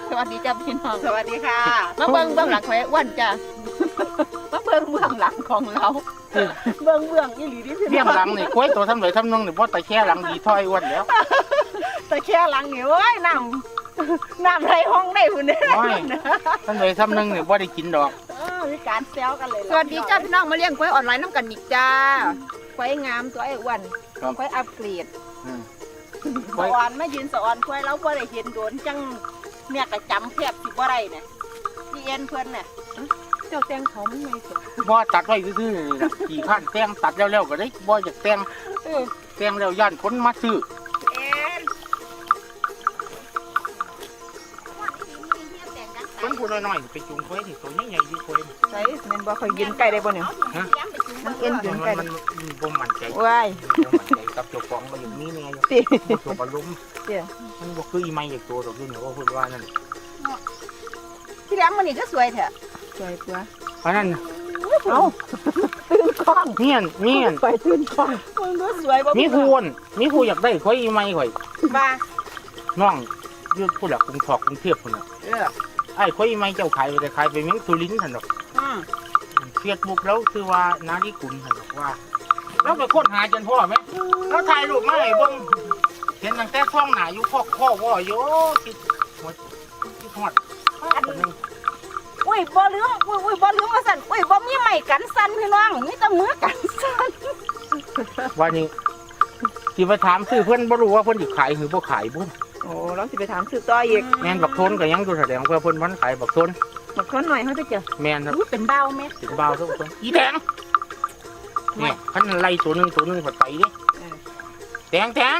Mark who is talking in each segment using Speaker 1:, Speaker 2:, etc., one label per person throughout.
Speaker 1: สวัสดีจ้าพี่น้อง
Speaker 2: สวัสดีค่ะ
Speaker 1: มาเบื้องหลังของไอ้อ้วนจ้ามาเบื้องหลังของเราเบื้องอีหลีที่พี่
Speaker 3: เบี้ยง
Speaker 1: น้อง
Speaker 3: หลังนี่กล้วยตัวทำไหนทำนองนี่เพราะแต่แค่หลังดีถ้อยอ้วนแล้ว
Speaker 1: แต่แค่หลังนี่โอ้ยน้ำไรห้องได้หุ่นเนี่ย
Speaker 3: โอ้ยทำไหนทำนึงนี่บ่ได้กินดอก
Speaker 2: มีการแซวกันเลย
Speaker 1: สวัสดีจ้าพี่น้องมาเลี้ยงควายออนไลน์น้ำกันอีกจ้าควายงามตัวไอ้อ้วนควายอัปเกรด
Speaker 2: สะออนมายืนสะออนควายเราบ่ได้เห็นโดนจังเนี่ยก็จำแทบสิบ่ได้เนี่ยพี่เอ็นเพิ่นเนี่ย
Speaker 1: เจ้าแตงเขาไม่ไงสิ
Speaker 3: บ่ตัดไว้ซื่อๆนี่ล่ะกี่ขั้นแต่งตัดแล้วๆก็ได้บ่อยากแต่งแต่งแล้วย่านคนมาซื้อ
Speaker 2: เอ็น
Speaker 3: คนผู้น้อยๆไปจูงควายที่ตัวใหญ่ๆอยู่ควาย
Speaker 1: ใช่แม่นบ่เคยยืนไก่ได้บ่เนี่ยมันเอ็นยืนไก่
Speaker 3: มันบ่มั่นใจ
Speaker 1: ว้าย
Speaker 3: บ่มั่นใจกับเจ้าของมาอย่างนี้นี่ไง
Speaker 1: ติ
Speaker 3: ตัวบอลลุ่มมันบ่คืออีไม้อย่างตัวดอกนี่ว่าเพิ่นว่านั่น
Speaker 2: พี่แหลมมันนี่ก็สวยแท้
Speaker 1: สวยตัว
Speaker 3: เพราะนั้น
Speaker 1: เอ้าตื่นกล้อง
Speaker 3: เมียน
Speaker 1: ไปตื่นกล้อง
Speaker 2: มึงก็สวยบ่
Speaker 3: มีผู้อยากได้ควายอีไม้ข่อย
Speaker 2: บ้า
Speaker 3: น้องอยู่ผู้หลักกรุงทอกกรุงเทพพุ่นน่ะไอ้ควายอีไม้เจ้าขายไปแต่ขายไปเมืองสุรินทร์ซั่นดอกเฟซบุ๊กแล้วคือว่านาฬิกุลซั่นดอกว่าเราไปค้นหาจนพ่อไหมเราถ่ายรูปมาให้เบิ่งเห็นตั้งแต่ท้องหน้าอยู่ข้อว่าอยู่คิดหมดคิดฮอด
Speaker 2: อุ้ยบ่ลืมอุ้ยบ่ลืมว่าสั่นอุ้ยบ่มีไม้กันสั่นพี่น้องมีแต่มือกันสั่น
Speaker 3: ว่านี่สิไปถามซื้อเพิ่นบ่รู้ว่าเพิ่นสิขายหรือบ่ขายบ่
Speaker 1: โอ้เราสิไปถามสืบต่ออีก
Speaker 3: แม่นบักโทนก็ยังอยู่แสดงว่าเพิ่นมันขายบักโทน
Speaker 1: มาค้นหน่อยเขาจะเจอ
Speaker 3: แม่นครับ
Speaker 2: เป็นเบาแม่
Speaker 3: ถึงบ่าวทุกคนอีแดงนี่คันไล่ตัวหนึงผัดไปดิแดง
Speaker 2: โอ้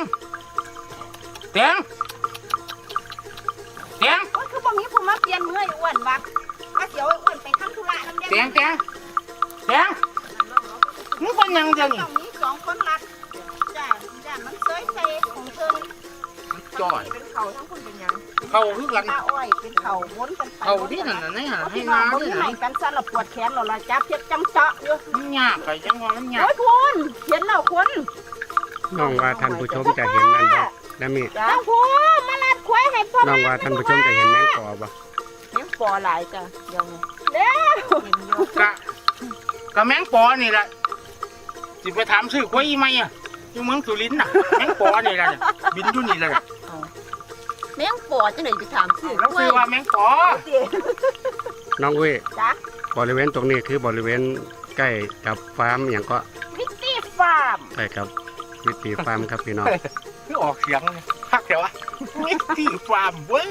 Speaker 2: ยคือบ่มีผู้มาเปลี่ยนมือไอ้อ้วนวะว่าเดี๋ยวไอ้อ้วนไปทำธุระนำ
Speaker 3: แดงมึงเป็นหยังจังนี่
Speaker 2: ต้องมีสองคนรักจ้ามันเซยใส่ของเธอ
Speaker 3: จ่อย
Speaker 2: เป็นเขาทั้งคนเป็นหยัง
Speaker 3: เข้าคือกัน
Speaker 2: ตาอ้อยเป็นเขาวนกันไป
Speaker 3: เข้าดินั่นน่ะนี่ให้
Speaker 2: พี่น้อ
Speaker 3: นาง
Speaker 2: บ่
Speaker 3: ดิ
Speaker 2: มี
Speaker 3: ไหน
Speaker 2: ไม้กันสั่นละปวดแขนเราละจับเจ็บจำเจาะอยู่
Speaker 3: มันยากไปจังว่ามันยา
Speaker 2: โอ้
Speaker 3: ก
Speaker 2: ยคุณเห็นแล้วคุณ
Speaker 4: น้องว่าท่านผู้ชมจะเห็นนั่นบ่แล้วมี
Speaker 2: จ้าคุณมาลัดควายให้พ่อ
Speaker 4: น้องว่าท่านผู้ชมจะเห็นแมงปอบ่
Speaker 1: เลี้ยงปอหลายจ้ะยังไง
Speaker 2: เด้อ
Speaker 1: เห็นเยอะ
Speaker 3: กะแมงปอนี่แหละสิไปถามซื้อควายอีไหมอ่ะอยู่เมืองสุรินทร์น่ะแมงปอนี่แหละบินอยู่นี่แหละ
Speaker 1: แมงปอจังไหนไปถามสืบ
Speaker 3: แล้วซื้อว่าแมงปอ
Speaker 4: น้องเว้ย
Speaker 2: จ้า
Speaker 4: บริเวณตรงนี้คือบริเวณใกล้กับฟาร์มอย่างก็
Speaker 2: วิตตี้ฟาร์ม
Speaker 4: ใกล้กับวิตีฟาร์มครับพี่น้อง
Speaker 3: คือออกเสียงพักเดี๋ยวอะมิตตี้ฟาร์มเว้ย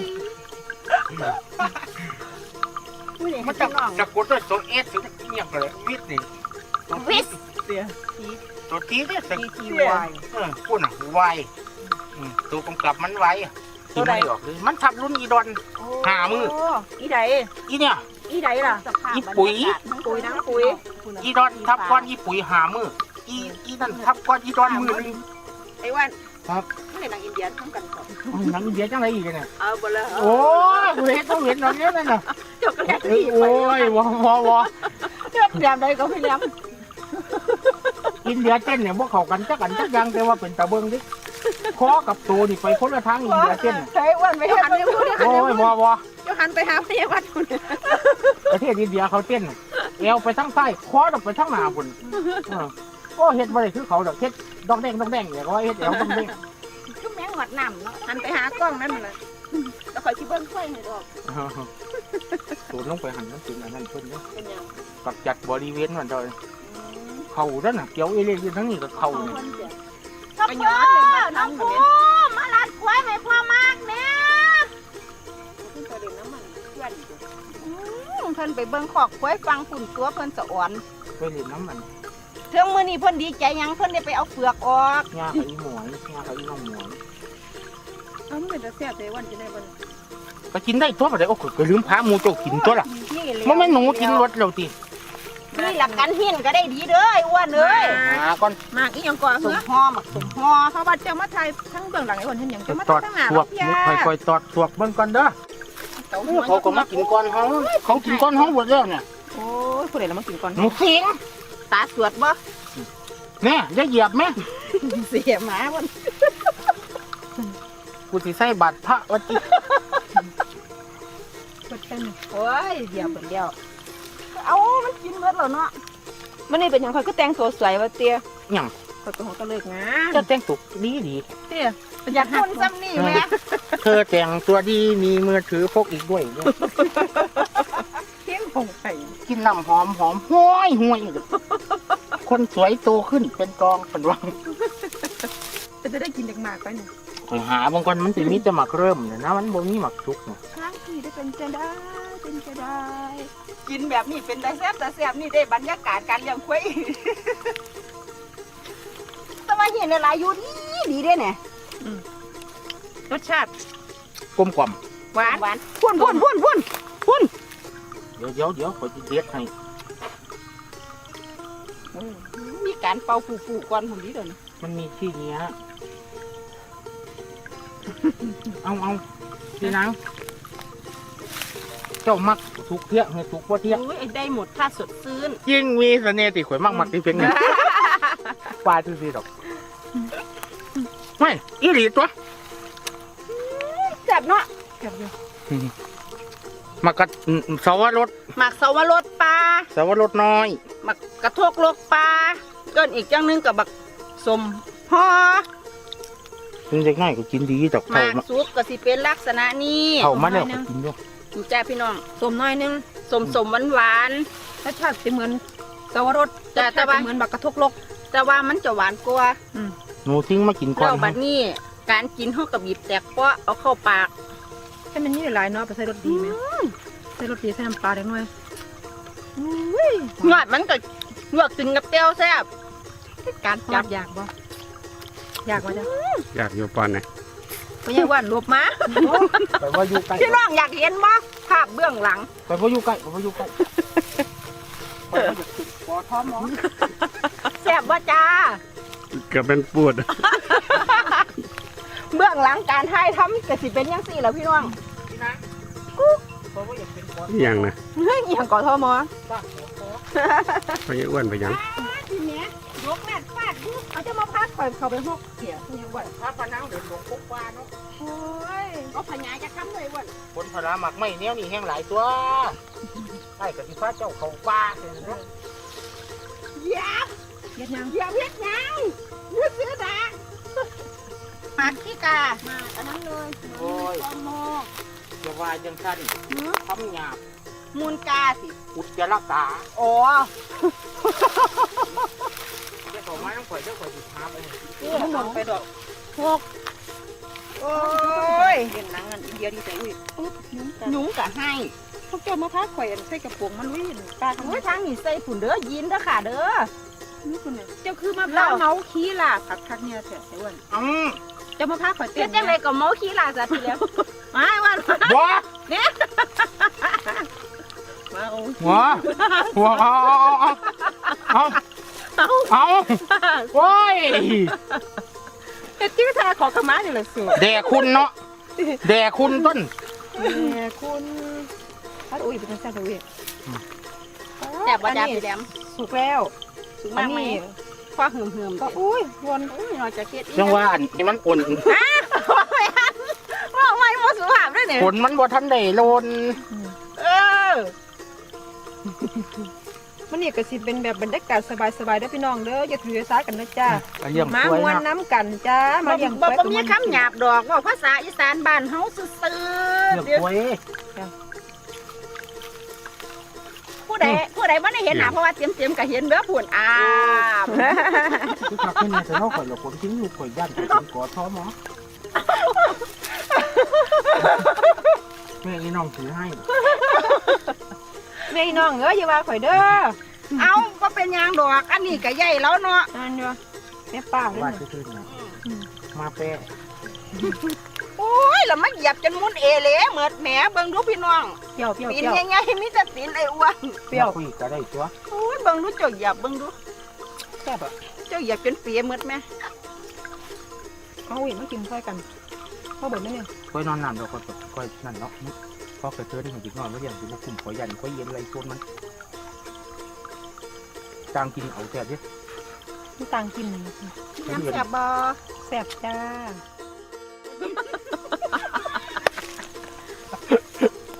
Speaker 3: มันจะสะกดด้วยตัวเอสถึงเนี่ยก็เลยวิทนี่ตัว
Speaker 2: วิส
Speaker 3: ตัวทีเนี่ยสะ
Speaker 1: TTY
Speaker 3: พูดน่ะไวตัวกำกับมันไวตัวใดออกเลยมันทับรุ่นอีดอน หามือ
Speaker 1: อีใด
Speaker 3: อีเนี่ย
Speaker 1: อีใดล่ะ
Speaker 3: อีปุ๋ย
Speaker 1: ปุ๋ยทั้งปุ๋ย
Speaker 3: อีดอนทับก้อนอีปุ๋ยหามืออีนั่นทับก้อนอีดอนมือนึง
Speaker 2: ไอ้วัน
Speaker 3: ครับ
Speaker 2: นี่นางอินเดียทำกันก่อน
Speaker 3: หนังอินเดียจังไรอีกเนี่ย
Speaker 2: เอาไปเลย
Speaker 3: โอ้ยกูเห็นต้องเห็นตอนนี้นั่นน่ะ
Speaker 2: เจ้าก็แลก
Speaker 3: โอ้
Speaker 2: ที่ไป
Speaker 3: ยวอ
Speaker 1: เรียบแดมใดก็พี่เลี้ยง
Speaker 3: อินเดียเต้นเนี่ยพวกเขากันจักยังแต่ว่าเป็นตะเบิงดิคอกับตัวนี่ไปคนละทางอินเดียเต้น
Speaker 1: ใช้อ้วนไปเห็นมันอยู่เนี่ย
Speaker 3: โอ้ยวอ
Speaker 1: เดี๋ยวหันไปหาพยาบาลคุณ
Speaker 3: ประเทศอินเดียเขาเต้นเอวไปทางใต้คอดอกไปทางหน้าพุ่นโอ้เฮ็ดบ่ได้คือเขาดอกเฮ็ดดอกแดงเนี่ยก็ว่าเฮ็ดเอวดอกแดง
Speaker 2: คือแมงหวัดน้ำเนาะ
Speaker 1: หันไปหากล้องนั่นมันเลย
Speaker 2: แล้วคอยชิเบิ้งค่อยให้ดอก
Speaker 3: สูดลงไปหันนั่นสิอันนั้นเพิ่นเนาะ
Speaker 2: เป็นยัง
Speaker 3: กับจัดบริเวณมันเด้อเขานั่นน่ะเกี่ยวเอเลี่ยนทั้งนี้ก็เขานี่
Speaker 2: ไปย้อนน้องปูมาลัดควายให้พ่อมากเนี่ยขึ้นไปเด่นน้ำมันเพื่อน
Speaker 1: เพิ่นไปเบิ่งขอกควายฟังฝุ่นตัวเพิ่นสะอ่อน
Speaker 3: ไปเล่นน้ำมัน
Speaker 1: เทื่องมื้อนี้เพิ่นดีใจหยังเพิ่นได้ไปเอาเปลือกออก
Speaker 3: ย่ากับอีหมวยย่ากับอีน้องหมวย
Speaker 1: เอ้ามันเป็นตาแซ่บได้วันจะได้บ่
Speaker 3: ก็กินได้ตัวบ่ได้โอ้ก็ลืมพาหมูโจกินตัวล่ะ
Speaker 1: นี่เลย
Speaker 3: มันไม่หนูกินรสแล้วติ
Speaker 2: นี่หลักกันหินก็ได้ดีเด้อไอ้อ้วนเอ้ย
Speaker 3: ก่อน
Speaker 1: มากอีหยังก่อน
Speaker 2: ส
Speaker 1: เหร
Speaker 2: ม
Speaker 1: อ
Speaker 2: ห่อหมักสมห่อ
Speaker 1: เพราะว่าเจ้ามาถ่ายทั้งเบื้องหลังไอ้อ้วนเห็นหยังเจ้ามา
Speaker 3: ตอ
Speaker 1: ถ่าย
Speaker 3: ด
Speaker 1: ทั้งหน้า
Speaker 3: สว
Speaker 1: เรา
Speaker 3: ก
Speaker 1: พี่
Speaker 3: ค่อยๆตอดสวกเบิ่งก่อนเด้อเขาก็มากินก่อนเขากินก่อนเฮาหมดแล้วเนี่ย
Speaker 1: โอ้ยผู้ใดละมากินก่อน
Speaker 3: หนูเสียง
Speaker 1: ตาสวดบ่
Speaker 3: แม่อย่าเหยียบแม่
Speaker 1: เสียหมาบ่
Speaker 3: กูสิใส่บาตรพระวัดติ
Speaker 2: กันนี่
Speaker 1: โอ้ยเดี๋ยวเดียว
Speaker 2: เอามันกินเบิดแล้วเนาะ
Speaker 1: มันนี่เป็นอย่างค่อยก็แต่งตัวสวยว่าเตี้ย
Speaker 3: หยัง
Speaker 1: ค่อยก็หัวก็เลิกงาน
Speaker 3: จะแต่งตัวดี
Speaker 1: เตี้ย
Speaker 2: อยากคนซ้ำนี่แม่
Speaker 3: เธอแต่งตัวดีมีมือถือพกอีกด้วยเนี่ย
Speaker 1: เที่ยงคงไข่
Speaker 3: กินน้ำหอมห้วยคนสวยโตขึ้นเป็นกองเป็นวัง
Speaker 1: จะได้กินเด็กมากไปเนี่ย
Speaker 3: คอยหาบางคนมันจะมีแต่หมักเริ่มเนี่ยนะมันบ่มีหมักทุกเนี่ย
Speaker 1: ครั้งที่ได้เป็นจะได้เป็นจะได้
Speaker 2: กินแบบนี้เป็นได้แซ่บแต่แซ่บนี่ได้บรรยากาศการเลี้ยงควายแต่ว่าเห็นอะไรอยู่ดีเด้เนี่ย
Speaker 1: รสชาติ
Speaker 3: กลมกล่อม
Speaker 1: หวาน
Speaker 2: หวาน
Speaker 1: พุ่น
Speaker 3: เดี๋ยวคอยจะเด็ดให้
Speaker 2: มีการเป่าฟูๆก่อนผมนี้เด้อ
Speaker 3: มันมีที่เนี้ยเอาพี่นางเจ้ามักทุกเที่ยงให้ทุกว่าเที่ยง
Speaker 2: อุ้ยได้หมดถ้าสดซื่น
Speaker 3: ยิ่งมีเสน่ห์ติข่อยมักที่เพียงเนี่ยปลาทุกทีดอกไม่อีหลีตัว
Speaker 2: แซ่บเนาะ
Speaker 1: เก็บอยู่
Speaker 3: มักกะสาวรส
Speaker 2: หมักสวรสปลา
Speaker 3: สาวรสน้อย
Speaker 2: หมักกระทกโลกปลาเกินอีกจังนึงกับบักสมฮอ
Speaker 3: ถึงเด็กน้อยก็กินดีดอก
Speaker 2: ห
Speaker 3: เท่าม
Speaker 2: าก
Speaker 3: มา
Speaker 2: ซุปก็สิเป็นลักษณะนี้
Speaker 3: เท่ามาแล้วก็กินด้วย
Speaker 2: นี่จ้าพี่น้อง
Speaker 1: สมน้อยนึง
Speaker 2: สมหวาน
Speaker 1: รสชาติจะเหมือนสวรส
Speaker 2: แต่ว่า
Speaker 1: เหมือนบักกระทกลก
Speaker 2: ๆแต่ว่ามันจะหวานกว่า
Speaker 3: หนูทิ้งมากินก่อ
Speaker 2: แล้ว
Speaker 3: น
Speaker 2: บัดนี้การกินเฮากับบีบแตกเปาะเอาเข้าปาก
Speaker 1: ให้มันนี่หลายเนาะไปใส่รสดีไหมใส่รสดีใส่น้ำปลาเล็กน้อย
Speaker 2: ยอดมันก็ลวกกินกับเต้วแซ่บการ
Speaker 1: จั
Speaker 2: จั
Speaker 1: บบ อยากบ่อยากว่าจ้ะ
Speaker 4: อยากอยู่ปอนไหน
Speaker 1: ไม่ใช่ว่ารวบมา
Speaker 3: ไปว่าอยู่ใกล้
Speaker 2: พี่น้องอยากเห็นบ่ภาพเบื้องหลัง
Speaker 3: ไปว่าอยู่ใกล้ไปว่าอยู่ใกล้ไปว่าอยู่ปอท้อมหมอ
Speaker 2: แซ่บบ่จ้า
Speaker 4: เกือบเป็นปวด
Speaker 2: เบื้องหลังการถ่ายทำก็สิเป็นจังซี่แหล้วพี่น้อง
Speaker 3: พี่นะเพราะว่าอยากเป็นปอ
Speaker 4: อย่างนะ
Speaker 1: เฮ้ยอหย่างก่อทอมอ
Speaker 3: บ้าหัวคอ
Speaker 4: ไปอ้วนไปยัง
Speaker 2: ทีเนี้ยยกแม่ฟาดดู
Speaker 1: เอาจะมาพักก่อนเขาไปหกเถี่ยนี่ว่า
Speaker 3: พระพนังเดินหลงปุ๊บว่าเนาะ
Speaker 1: โอ้ย
Speaker 2: เอาพญาจะค้ำเลยวัน
Speaker 3: คนพระหมักไม่เนี้ยนี่แห้งหลายตัวไอ้กับที่พระเจ้าเขาป้าเลยเนาะ
Speaker 2: อย่า
Speaker 1: เย็ดยัง
Speaker 2: อย่าเพี้ยนยังยืดเสื้อดาหมักขี้กามาอันนั้นเลย
Speaker 3: โอ้ย
Speaker 2: โม
Speaker 3: จะวายจังสั้นทำหยาบ
Speaker 2: มูลกาสิ
Speaker 3: อุจจาระกา
Speaker 2: อ๋อ
Speaker 3: เจ้าของไม้ต้องข่อยเจ้าข่อยติดพาไปเลย
Speaker 2: หมดไปดอก
Speaker 1: หก
Speaker 2: โอ้ย
Speaker 1: เห็นหนังอันอินเดียดีใจอุ้ยปุ๊บยุ้งกัน
Speaker 2: หนุ่งกะให้
Speaker 1: พวกเจ้ามาพักข่อยอันใส่กระโปรงมันวิ่งปลาทั้ง
Speaker 2: โอ้ยทางนี้ใส่ฝุ่นเด้อยินเด้อค่ะเด้อ
Speaker 1: นี่คุณเนี่ยเจ้าคือมาพร้าวเมาขี้ล่ะคักเนี่ยแท้ไอ้อ้วน เจ้ามาพักข่อย
Speaker 2: เต้
Speaker 1: เต้
Speaker 2: น
Speaker 1: น
Speaker 2: จังไรก็เมาขี้ลาซะทีแล้วมาวัน
Speaker 3: หัว
Speaker 1: มาเอา
Speaker 3: หัวเอาโอ้ย
Speaker 1: เอ็ดจิ้วทาขอขมาอยู่เลยสิ
Speaker 3: แด่คุณเนาะแด่คุณต้น
Speaker 1: แม่คุณพัดอุ้ยเป็นแซ่บเลย
Speaker 2: แต่บ่จ้าพี่แดม
Speaker 1: สุกแล้ว
Speaker 2: สูง
Speaker 1: อั
Speaker 2: มาน กไหม
Speaker 1: นี้
Speaker 2: คว้าหืมๆ
Speaker 1: ก็อุ้ยวน
Speaker 2: อุ้ยเราจะเก็ดอี
Speaker 3: จังว่าอันนี้มันอ่อน
Speaker 2: ว่าไม่หมดสุภาพด้วยเนี่ย
Speaker 3: ผลมันบ่ทันได้โลน
Speaker 2: เออ
Speaker 1: มันนี่ก็สิเป็นแบบบรรยากาศสบายๆเด้อพี่น้องเด้ออย่าถือสากันนะจ้า
Speaker 3: เลี้ยง
Speaker 1: มาก
Speaker 3: ล้วย
Speaker 1: วน
Speaker 3: นะ
Speaker 1: น้ำกันจ้ามาเลี้ยง
Speaker 2: บ่
Speaker 1: กล้วย
Speaker 2: มีคำหยาบดอกว่าภาษาอีสานบ้านเฮาซื่อ
Speaker 3: เลี้ยงกล้วย
Speaker 2: ผู้ใดบ่ได้เห็นหน้าเพราะว่าเตรียมๆก็เห็นเด้อพุ่นอาบ
Speaker 3: คือขับขึ้นมาแต่เราข่อยเราคนทิ้งลูกข่อยย่านข่อยกอดท้อหมอแม่อีน้องถือให้
Speaker 1: แม่น้องเอ้ยอย่าว่าข่อยเด้อ
Speaker 2: เอาก็เป็นยางดอกอันนี้ก็ใหญ่แล้วเนาะ
Speaker 1: นั่นอยู่แม่ป้าเลย
Speaker 3: ว่า
Speaker 1: นะ
Speaker 3: ซื่อๆนะมาแป้
Speaker 2: โอ้ยแล้วมันเหยียบจนมุนเอเหลเหมือดแหมเบิ่งดูพี่น้อง
Speaker 1: เปรี้ยวเปรี้ยว
Speaker 2: ตี
Speaker 1: เป
Speaker 2: น
Speaker 1: รี้ยว
Speaker 2: ใหญ่ๆมีแต่ตีนไอ้อ้วน
Speaker 1: เปรี้ยว
Speaker 3: คุยก็ได้ตัว
Speaker 2: โอ้ยเบิ่งดูเจ้าเหยียบเบิ่งดู
Speaker 1: แซ่บอ่ะ
Speaker 2: เจ้าเหยียบจนเปียเหมือดแม่
Speaker 1: เอาอีกมากินค่อยกันพ่อบ่นได้เนี่ย
Speaker 3: ค่อยนอนน้ำเราค่อยนั่นเนาะพอเกิดเจอได้ของจิกนอนว่าอย่างที่ลูกคุมข่อยยันข่อยเย็นอะไรชวนมันจางกินเอาแซ่บดิ
Speaker 1: มันต่างกิน
Speaker 2: น้ำแซ่บบ่
Speaker 1: แซ่บจ้า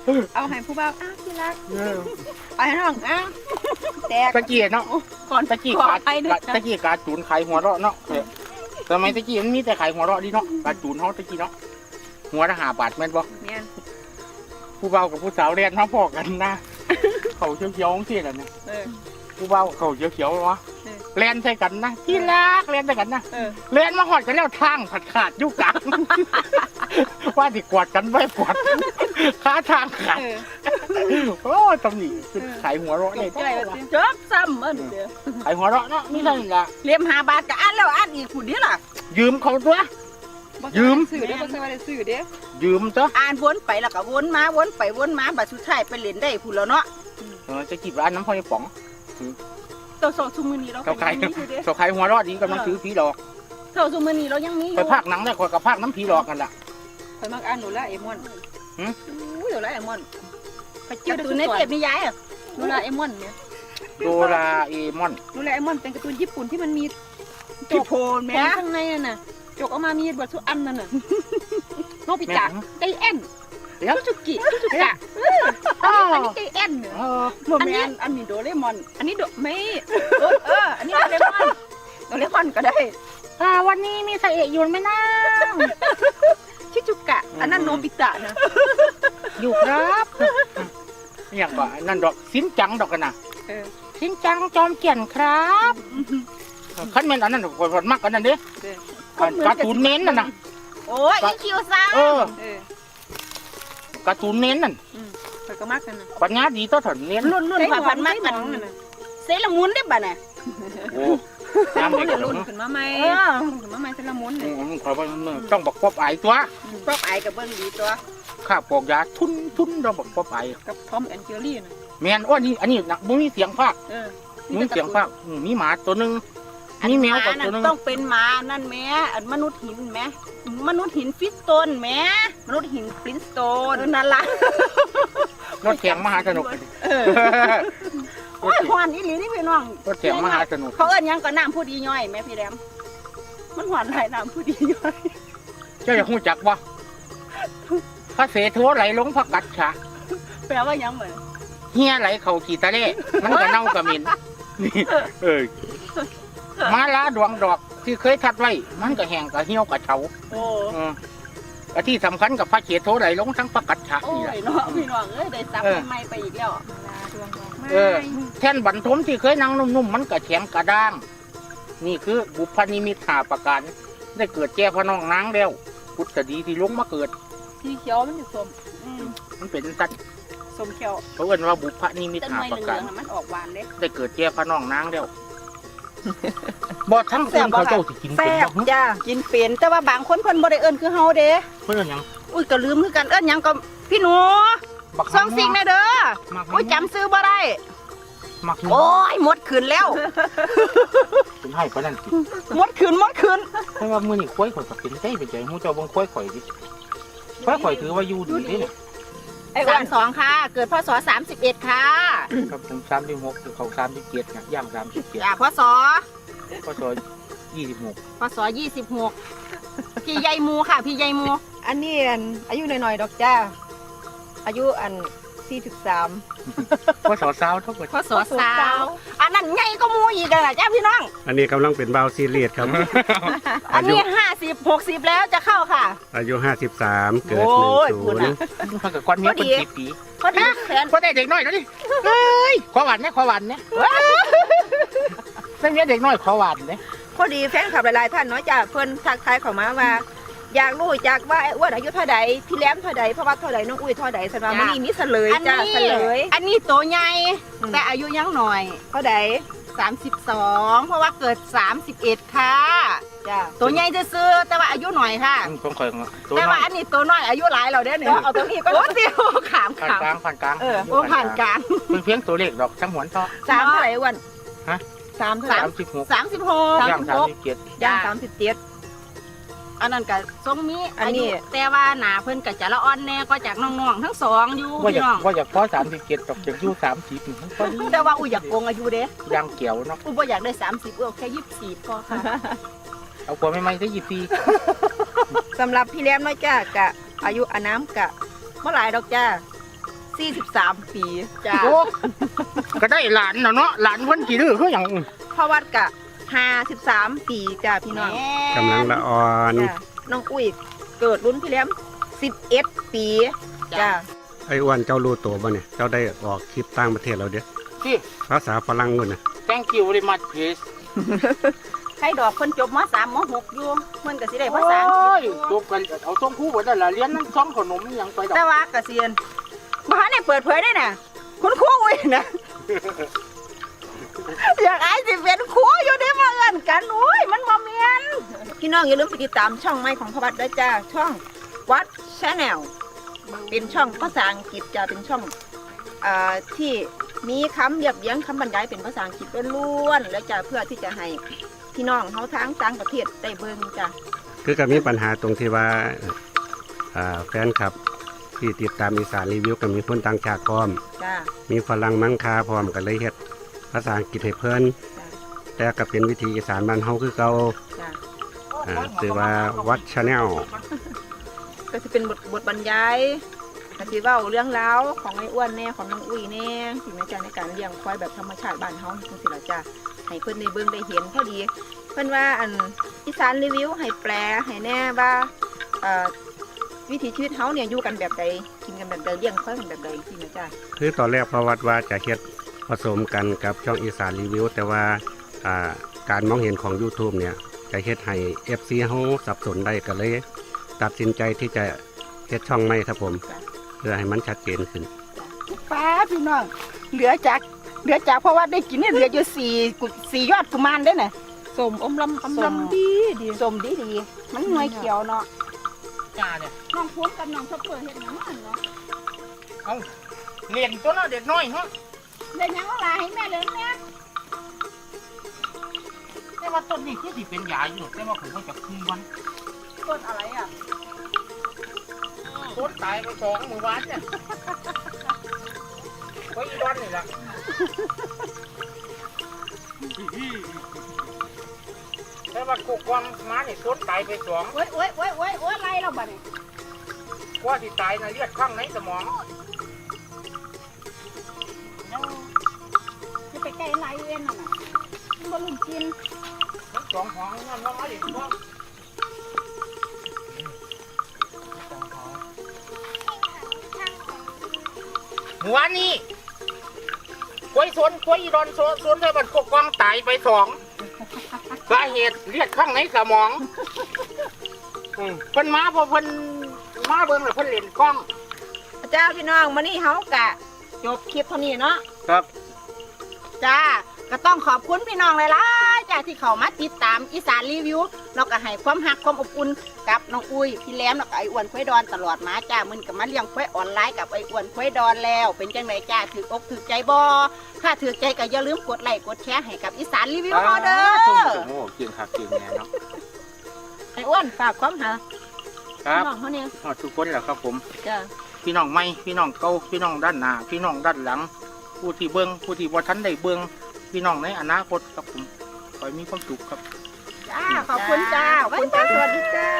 Speaker 1: เอาให้ผู้บ่าวอ้าวที่รัก
Speaker 3: เออ
Speaker 1: ไปน้องอ้าวแตก
Speaker 3: ตะกี้เนาะ
Speaker 1: ก่อน
Speaker 3: ตะกี้
Speaker 1: ขอ
Speaker 3: การ
Speaker 1: ไปด้วย
Speaker 3: ตะกี้การจูนขายหัวเราะเนาะสมัยตะกี้มันมีแต่ขายหัวเราะดิเนาะการจูนเฮาตะกี้เนาะหัวละ5 บาทแม่นบ่
Speaker 1: แม่น
Speaker 3: ผู้เบากับผู้สาวเรียนมาพอกันนะ เขาเขียวๆที่นั่นนะ
Speaker 1: เออ
Speaker 3: ผู้เบาเขาเขียวๆวะ
Speaker 1: เออ
Speaker 3: เรียนใส่กันนะที่รักเรียนใส่กันนะ
Speaker 1: เออ
Speaker 3: เรียนมาหอดกันแล้วทางขาดอยู่กลาง ว่าสิกวาดกันไว้กวาดขาทางขาด
Speaker 1: เออ
Speaker 3: โอ้ตำหนิคือขายหัวเราะ
Speaker 1: จ
Speaker 3: เนี่ย
Speaker 1: บใจว่าสิจบซ้ำมันเด้อ
Speaker 3: ขายหัวเราะเนาะนี่นั่นละ
Speaker 1: เลี้ยม5 บาทก็อันแล้วอันอีกผู้เดียวล่ะ
Speaker 3: ยืมเขาตัว ยืม
Speaker 1: ซื้อเด้อบ่ใช่ว่าได้ซื้อเด้อ
Speaker 3: ยืมซะ
Speaker 1: อ่านวนไปแล้วก็วนมาวนไปวนมาบัดสุดท้ายไปเล่นได้ผู้แล้วเนาะ
Speaker 3: จะจีบร้านน้ำพอยป๋อง
Speaker 1: ตัวโซซุมื้อนี้เราก็
Speaker 3: เขาขาย
Speaker 1: ยังมีอยู่เด้อ
Speaker 3: เขาขายหัวเราะดีกำลังซื้อผีหลอก
Speaker 1: โซซุมื้อนี้เรายังมีอ
Speaker 3: ไป
Speaker 1: ยู่
Speaker 3: ภาคหนังได้คนกับภาคน้ำผีหลอกกันล่ะ
Speaker 1: ข่อยมักอ่านโดราเอมอน
Speaker 3: หืม
Speaker 1: อู้ยโดราเอมอนไปเจอการ์ตูนในเทปนิยายอะโดราเอมอนเนี่ย
Speaker 3: โดราเอมอน
Speaker 1: โดราเอมอนเป็นการ์ตูนญี่ปุ่นที่มันมี
Speaker 2: ที่โพน
Speaker 1: แม่
Speaker 2: แม่
Speaker 1: ข้างในน่ะนะจกออกมามีบทสุอันนั่นน่ะโนบิตะ
Speaker 3: แม่
Speaker 1: ไดแอนคุจุกิคุจุกะอันนี้ไดแอนเนี่ย
Speaker 2: โมแมนอันนี้โดเรมอน
Speaker 1: อันนี้ไม่อันนี้โดเรมอนโดเรมอนก็ได้
Speaker 3: วันนี้มีใส่เอกอยู่ไหมนะ
Speaker 1: ชิจุกะ อันนั้นโนบิตะนะ
Speaker 3: อยู่ครับอย่างว่านั่นดอกสินจังดอกกันนะ
Speaker 1: เออ
Speaker 3: สินจังจอมเกียนครับขั้นเมนอันนั้นคนมักกันนั่นเด้การ์ตูนเน้นนั่นน่ะ
Speaker 1: โอ้ยอีคิวซัง
Speaker 3: เออ
Speaker 1: เออ
Speaker 3: การ์ตูนเน้นนั่น
Speaker 1: ข่อยก็มักกันนะ
Speaker 3: ปัญญาดีต่อถนเน้น
Speaker 1: รุ่นผ่าพันมากกันเซรามุนได้บ่น่ะ
Speaker 3: โอ้ยามเด็กกัน
Speaker 1: รุ่น
Speaker 3: เนาะ
Speaker 1: ขึ้นมาใหม่ขึ้นมาใหม่เซรามุนเนี่ย
Speaker 3: ขอว่าต้องบอกป๊อบไอตัว
Speaker 1: ก็ไปกับเบิ้งดีตัว
Speaker 3: ข้าปอกยาทุนต้องบอกป๊อบไอ
Speaker 1: กับทอมแอนเจอรี่นะ
Speaker 3: แมนอ้อนี่อันนี้นักบุ้มีเสียงภาค
Speaker 1: เออ
Speaker 3: มีเสียงภาคมีหมาตัวนึงมีแมวกับตัวนึง
Speaker 2: ต้องเป็นหมานั่นแม่อันมนุษย์หินแม่มนุษย์หินฟิสโตนแม่มนุษย์หินฟลินสโตนนั่นล่ะ
Speaker 3: รถแข่งมหาสนุก
Speaker 2: โอ้ยหวานอีหลีนี่พี่น้อง
Speaker 3: รถแข่งมหาสนุก
Speaker 2: เขาเอิ้นหยังก็น้ำผู้ดีย่อยแม่พี่แรมมันหวานหลายน้ำผู้ดีย่อย
Speaker 3: เจ้าอยากรู้จักว่าพระเสโทไหลลงพระกัดฉะ
Speaker 2: แปลว่าหยังเหมือน
Speaker 3: เฮียไหลเข่าขี่ตะเล่มันก็เน่ากระเหมินนี่มาลาดวงดอกที่เคยทัดไว้ มันก็แห้งก็เหี่ยวก็เฉา
Speaker 2: โอ้
Speaker 3: อันที่สำคัญกับพระเสโทไหลลงทั้งพระกัดฉะ
Speaker 2: โอ้
Speaker 3: นี่แหละ
Speaker 2: ยเนาะพี่น้องเอ้ยได้ซับใหม่ๆไปอีกแล้ว
Speaker 3: แท่นบรรทมที่เคยนั่งนุ่มๆมันก็แข็งกระด้าง นี่คือบุพนิมิตหาประการได้เกิดแก่พระน้องนางแล้วพุทธดีที่ลงมาเกิด
Speaker 2: สีเขียวมันจะส้ม
Speaker 3: มันเป็นสัตว์
Speaker 2: ส้มเขียว
Speaker 3: เขาเอิ้นว่าบุพนิมิต
Speaker 2: ต้น
Speaker 3: หา
Speaker 2: ไม้
Speaker 3: ประ
Speaker 2: เหลื
Speaker 3: กา
Speaker 2: อ
Speaker 3: รง
Speaker 2: ๆมันออกหวานเด้
Speaker 3: ได้เกิดแก่พระน้องนางแล้วบ่ทั้งคนเขาเจ้าสิกินเป็น
Speaker 2: แซ่บ
Speaker 3: บ่
Speaker 2: จ้ากินเป็นแต่ว่าบางคนเพิ่นบ่ได้เอิ้นคือเฮาเด้
Speaker 3: เพิ่นหยัง
Speaker 2: อุ้ยก็ลืมคือกันเอิ้นหยังก็พี่หนู
Speaker 3: บัก
Speaker 2: ซองซิงแน่เด้อ
Speaker 3: มัก
Speaker 2: อุ้ยจำซื้อบ่ได้
Speaker 3: มัก
Speaker 2: โอ้ยหมดคืนแล้ว
Speaker 3: เป็นให้ปานนั้นสิ
Speaker 2: หมดคืน
Speaker 3: แต่ว่ามื้อนี้ควายข่อยก็เป็นใจเป็นใจฮู้เจ้าเบิ่งควายข่อยดิควายข่อยถือว่าอยู่ดีเด้เนี่ย
Speaker 2: ไอ้อ้วน32ค่ะ เกิดพศ31ค่ะ
Speaker 3: ครับผม36คือเขา37นะย่าง37
Speaker 2: อ่าพศ
Speaker 3: ก็ซอย26
Speaker 2: พศ26พี่ใหญ่หมูค่ะ พี่ใหญ่หมู
Speaker 1: อันนี้อายุหน่อยๆดอกจ้าอายุ43
Speaker 3: ก็สอสาวเท่ากับ
Speaker 2: พศสาวอันนั้นใหญ่ก็หมูอีกอ่ะจ้าพี่น้อง
Speaker 4: อันนี้กำลังเป็นบาวซีเรียสครับ
Speaker 2: อันนี้50 60แล้วจะเข้าค่ะ
Speaker 4: อายุ 53 เกิด
Speaker 2: โอ้ยคุณ
Speaker 4: 10
Speaker 2: น่ะ
Speaker 3: มันกับก้อนเมียเป็นปี
Speaker 2: พอดีแฟน
Speaker 3: ก็ได้เด็กน้อยแล้วดิเฮ้ยขอหวานเนี่ยขอหวานเนี่ยได้เมียเด็กน้อยขอหวานเนี่ย
Speaker 1: พอดีแฟนคลับหลายๆท่านเนาะจ้าเพิ่นทักทายเข้ามาว่าอยากรู้จักว่าไอ้อ้วนอายุเท่าใดพี่แหลมเท่าใดเพราะว่าเท่าใดน้องอุ้ยเท่าใดสำหรับมื้อนี้มีเฉลย
Speaker 2: อัน
Speaker 1: จ้า
Speaker 2: นี้
Speaker 1: เฉลย
Speaker 2: อันนี้ตัวใหญ่แต่อายุยังหน่อย
Speaker 1: เท่าใด
Speaker 2: 32เพราะว่าเกิด31ค่ะ
Speaker 1: จ้า
Speaker 2: ตัวใหญ่จะซื้อๆแต่ว่าอายุหน่อยค่ะ
Speaker 3: ต้องคอยตัว
Speaker 2: แต่
Speaker 3: น้อ
Speaker 2: ว่าย อันนี้ตัวน้อยอายุหลายเราเด้อเนี่ย
Speaker 1: เอาตรงนี้ก็
Speaker 2: โอ้เดียวขาม
Speaker 3: ผ่าน
Speaker 2: ขาม
Speaker 3: กลางผ่านกลาง
Speaker 2: โอ้ผ่านกลาง
Speaker 3: เพียงตัวเลขดอกทั้งหวนท่อ
Speaker 1: 3เท่าไหร่อ้วน
Speaker 3: ฮะ
Speaker 1: 3เท่าไหร่
Speaker 3: 36
Speaker 2: 36
Speaker 3: ย่าง37
Speaker 1: ย่าง
Speaker 2: จ้า
Speaker 1: 37
Speaker 2: อันนั้นก็ทรงมี
Speaker 1: อันนี้
Speaker 2: ายุแต่ว่าหนาเพิ่นก็จะละอ่อนแน่ก็จากน้องๆทั้งสองอยู่
Speaker 3: ว่าอ
Speaker 2: พี่
Speaker 3: ยาก
Speaker 2: น้อง
Speaker 3: ว่าอยากพอ37ดอกจากอยู่30มันก็
Speaker 2: แต่ว่าอุ้ยอยากโกงอายุเด้
Speaker 3: ย่างเกี่ยวเนาะ
Speaker 2: อุ้ยบ่อยากได้30แค่24พอค่ะ
Speaker 3: เอากว่าไม่ได้ยี่ปี
Speaker 1: สำหรับพี่แหลมเนาะจ้ากะอายุอาน้ำกะเมื่อหลายดอกจ้า 43 ปีจ้า
Speaker 3: โอ้ก็ได้หลานแล้วเนาะหลานเพิ่นกี่ดื้อคือหยัง
Speaker 1: พ่อวัดกะ53 ปีจ้าพี่น้อง
Speaker 4: กำลังละอ่อน
Speaker 1: จ้าน้องอุ้ยเกิดรุ่นพี่แหลม11 ปีจ้า
Speaker 4: ไอ้อ้วนเจ้ารู้ตัวบ่เนี่ยเจ้าได้ออกคลิปต่างประเทศแล้วเด้อ
Speaker 3: ที่
Speaker 4: ภาษาฝรั่งนู่นน่ะ
Speaker 3: thank you very much please
Speaker 2: ใครดอกคนจบม.3 ม.6 อยู่มันก็สิได้
Speaker 3: โอ้
Speaker 2: ภาษาอังกฤษ
Speaker 3: ยจบกันเอาส่งครูบ่ได้ล่ะเรียนนั่นซ้อมขนมหยังไปดอก
Speaker 1: แต่ว่าเกษียณบ้านเนี่ยเปิดเผยได้น่ะคุณครูอุ้ยนะ อยากอายสิเป็นครูอยู่ได้มาเอิ้นกันอุ้ยมันบ่แม่นพี่น้องอย่าลืมไปติดตามช่องใหม่ของพ่อวัดด้วยจ้าช่องวัด Channel เป็นช่องภาษาอังกฤษจะเป็นช่องที่มีคำเรียบเรียงคำบรรยายเป็นภาษาอังกฤษล้วนๆและจะเพื่อที่จะให้พี่น้องเขาทั้งต่างประเทศได้เบิ่งจ้ะ
Speaker 4: คือก็มีปัญหาตรงที่ว่าแฟนคลับที่ติดตามอีสานรีวิวก็มีคนต่างชาติพร้อม
Speaker 1: จ้ะ
Speaker 4: มีฝรั่งมังคาพร้อมก็เลยเฮ็ดภาษาอังกฤษให้เพิ่น
Speaker 1: จ้ะ
Speaker 4: แต่ก็เป็นวิธีอีสานบ้านเฮาคือเก่า
Speaker 1: จ้ะ
Speaker 4: ชื่อว่าวัด Channel
Speaker 1: ก็จะเป็นบทบรรยายก็สิเว้าเรื่องราวของไอ้อ้วนแน่ของน้องอุ้ยแน่สิแม่จ้ะในการเลี้ยงควายแบบธรรมชาติบ้านเฮาจังซี่ล่ะจ้ะให้เพิ่นได้เบิ่งได้เห็นพอดีเพิ่นว่าอันอีสานรีวิวให้แปลให้แน่ว่าวิถีชีวิตเฮาเนี่ยอยู่กันแบบใดกินกันแบบใดเลี้ยงควายกันแบบใดสิแม่จ้ะ
Speaker 4: คือตอนแรกพระวัดว่าจะเฮ็ดผสมกันกับช่องอีสานรีวิวแต่ว่าการมองเห็นของ YouTube เนี่ยจะเฮ็ดให้ FC เฮาสับสนได้ก็เลยตัดสินใจที่จะเฮ็ดช่องใหม่ครับผม เพื่อให้มันชัดเจนขึ้น
Speaker 2: ป้าพี่น้องเหลือจากเพราะว่าได้กินเนี่ยเหลืออยู่สี่ยอดกุมารได้น่ะ
Speaker 1: สมอมลำอำลำดี
Speaker 2: สมดีมันหน่วยเขียวเนาะ
Speaker 3: จ้าเนี่ย
Speaker 2: น้องพูดกับน้องชอบเปิดเฮ็ดหยังมันเนาะ
Speaker 3: เอาเรียนตัวเนาะเด็กน้อยเนาะ
Speaker 2: เล่นหยังว่าลาให้แม่เล่นแม่
Speaker 3: แต่ว่าต้นนี้คือสิเป็นยาอยู่แต่ว่าผมก็จะคืนวัน
Speaker 2: ต้นอะไรอ่ะ
Speaker 3: ต้นตายไป2 มื้อวานเนี่ยไว้อีวันนี่ล่ะแต่ว่ากุกวางมานี่ต้นตายไป2
Speaker 2: โอ้ยอะไรเราบัดนี้
Speaker 3: กว่าสิตายนะเลือดข้างในสมอง
Speaker 2: จะไปใกล้ไรเอ็นน่ะน่ะมันบ่ลืมกิน
Speaker 3: มันสองของนั่นว่ามาดิพ่อหัวนี่กล้วยสนกล้วยอีดอนสนเลยมันกกวางตายไป2สาเหตุเลือดข้างในสมองเพิ่นมาพอเพิ่นมาเบิ่งแล้วเพิ่นเล่นกล้อง
Speaker 1: เจ้าพี่น้องมื้อนี้เฮากะจบคลิปเท่านี้เนาะ
Speaker 3: ครับ
Speaker 2: จ้าก็ต้องขอบคุณพี่น้องหลายๆจ้าที่เข้ามาติดตามอีสานรีวิวแล้วก็ให้ความรักความอบอุ่นกับน้องอุ้ยพี่แหลมแล้วก็ไอ้อ้วนควายดอนตลอดมาจ้ามึนก็มาเลี้ยงควายออนไลน์กับไอ้อ้วนควายดอนแล้ว เป็นจังไดจ้าถือกถือใจบ่ถ้าถือใจก็อย่าลืมกดไลค์กดแชร์ให้กับอีสานรีวิวเฮาเด้อ
Speaker 3: โอ้เก่งครับเก่งแน่เนาะ
Speaker 1: ไอ้อ้วนฝากความหา
Speaker 3: ครับ
Speaker 1: น้องเขาเนี่ย
Speaker 3: ทุกคนแหละครับผม
Speaker 1: จ้ะ
Speaker 3: พี่น้องใหม่พี่น้องเก่าพี่น้องด้านหน้าพี่น้องด้านหลัง ผู้ที่เบิ่งผู้ที่บ่ทันได้เบิ่งพี่น้องในอนาคตครับผมขอให้มีความสุขครับ
Speaker 2: จ้าขอบคุณจ้า
Speaker 1: ขอบคุณจ้าสวัสดีจ้า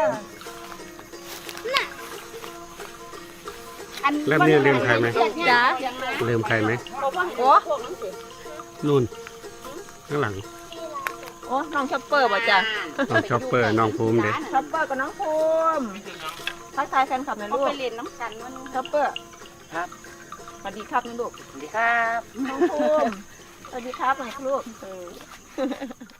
Speaker 4: เริ่มนี่ลืมใครไหม
Speaker 1: จ้า
Speaker 4: ลืมใครไหม
Speaker 1: โอ้
Speaker 4: นู่นข้างหลัง
Speaker 1: โอ้น้องช็อปเปอร์บ่จ้ะ
Speaker 4: น้องช็อปเปอร์น้องภูมิเด้
Speaker 1: ช็อปเปอร์กับน้องภูมิทักทายแฟนคลับหน่อย
Speaker 2: เขา
Speaker 1: ลูก
Speaker 2: ไปเล่นน้ำกันมัน
Speaker 1: ช็อปเปอร์
Speaker 3: ครับ
Speaker 1: สวัสดีครับนะลูก
Speaker 3: สวัสดีครับ
Speaker 1: น้องภูมิสวัสดีครับหน่อยลูก